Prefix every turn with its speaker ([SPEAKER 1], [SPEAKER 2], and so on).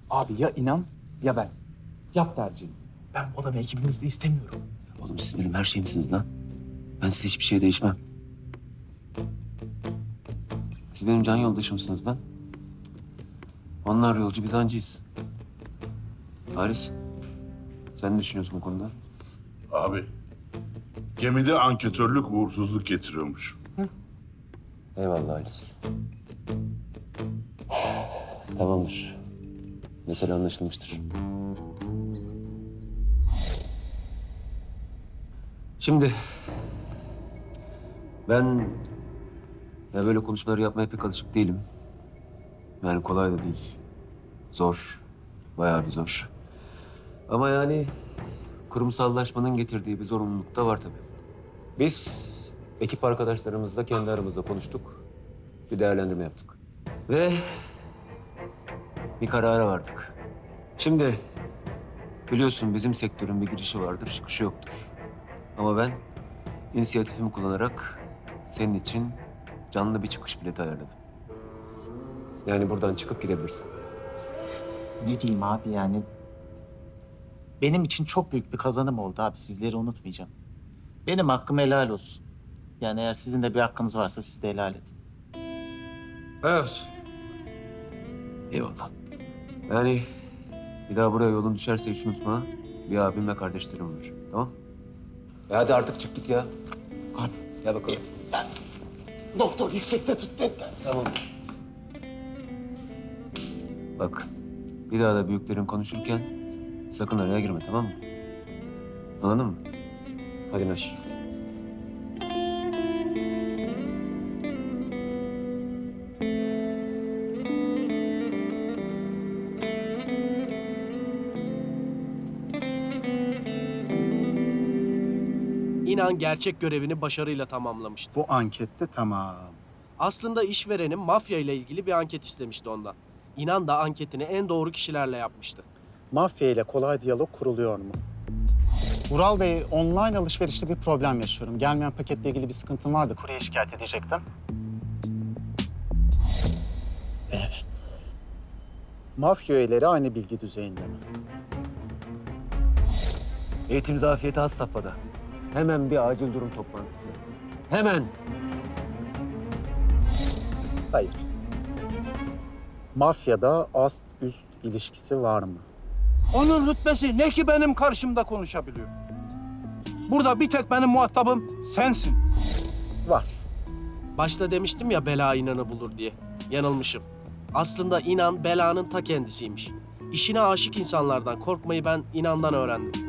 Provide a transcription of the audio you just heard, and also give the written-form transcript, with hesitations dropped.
[SPEAKER 1] Abi ya inan ya ben. Yap tercihini. Ben bu adamı ekibimizde istemiyorum.
[SPEAKER 2] Oğlum siz benim her şeyimsiniz lan. Ben size hiçbir şey değişmem. Siz benim can yoldaşımsınız lan. Onlar yolcu, biz hancıyız. Halis, sen ne düşünüyorsun bu konuda?
[SPEAKER 3] Abi, gemide anketörlük uğursuzluk getiriyormuş.
[SPEAKER 2] Eyvallah Halis. Tamamdır. Mesele anlaşılmıştır. Şimdi ben böyle konuşmaları yapmaya pek alışık değilim. Yani kolay da değil. Zor. Bayağı bir zor. Ama yani kurumsallaşmanın getirdiği bir zorunluluk da var tabii. Biz ekip arkadaşlarımızla kendi aramızda konuştuk. Bir değerlendirme yaptık. Ve bir karara vardık. Şimdi biliyorsun bizim sektörün bir girişi vardır, çıkışı yoktur. Ama ben inisiyatifimi kullanarak senin için canlı bir çıkış bileti ayarladım. Yani buradan çıkıp gidebilirsin.
[SPEAKER 1] Ne diyeyim abi yani? Benim için çok büyük bir kazanım oldu abi. Sizleri unutmayacağım. Benim hakkım helal olsun. Yani eğer sizin de bir hakkınız varsa siz de helal edin.
[SPEAKER 4] Evet.
[SPEAKER 2] Eyvallah. Yani bir daha buraya yolun düşerse hiç unutma. Bir abim ve kardeşlerim var. Tamam? Hadi artık çık git ya.
[SPEAKER 1] Abi
[SPEAKER 2] Gel bakalım.
[SPEAKER 1] doktor yüksekte tut dediler.
[SPEAKER 2] Tamam. Bak, bir daha da büyüklerin konuşurken sakın araya girme, tamam mı? Anladın mı? Hadi Naş.
[SPEAKER 5] İnan gerçek görevini başarıyla tamamlamıştı.
[SPEAKER 6] Bu ankette tamam.
[SPEAKER 5] Aslında işverenin mafya ile ilgili bir anket istemişti ondan. İnan da anketini en doğru kişilerle yapmıştı.
[SPEAKER 6] Mafya ile kolay diyalog kuruluyor mu? Vural Bey, online alışverişte bir problem yaşıyorum. Gelmeyen paketle ilgili bir sıkıntım vardı. Kurye şikayet edecektim. Evet. Mafya üyeleri aynı bilgi düzeyinde mi?
[SPEAKER 2] Eğitim zafiyeti has safhada. Hemen bir acil durum toplantısı. Hemen.
[SPEAKER 6] Hayır. Mafyada ast-üst ilişkisi var mı?
[SPEAKER 4] Onun rütbesi ne ki benim karşımda konuşabiliyor? Burada bir tek benim muhatabım sensin.
[SPEAKER 6] Var.
[SPEAKER 5] Başta demiştim ya bela İnan'ı bulur diye. Yanılmışım. Aslında İnan belanın ta kendisiymiş. İşine aşık insanlardan korkmayı ben İnan'dan öğrendim.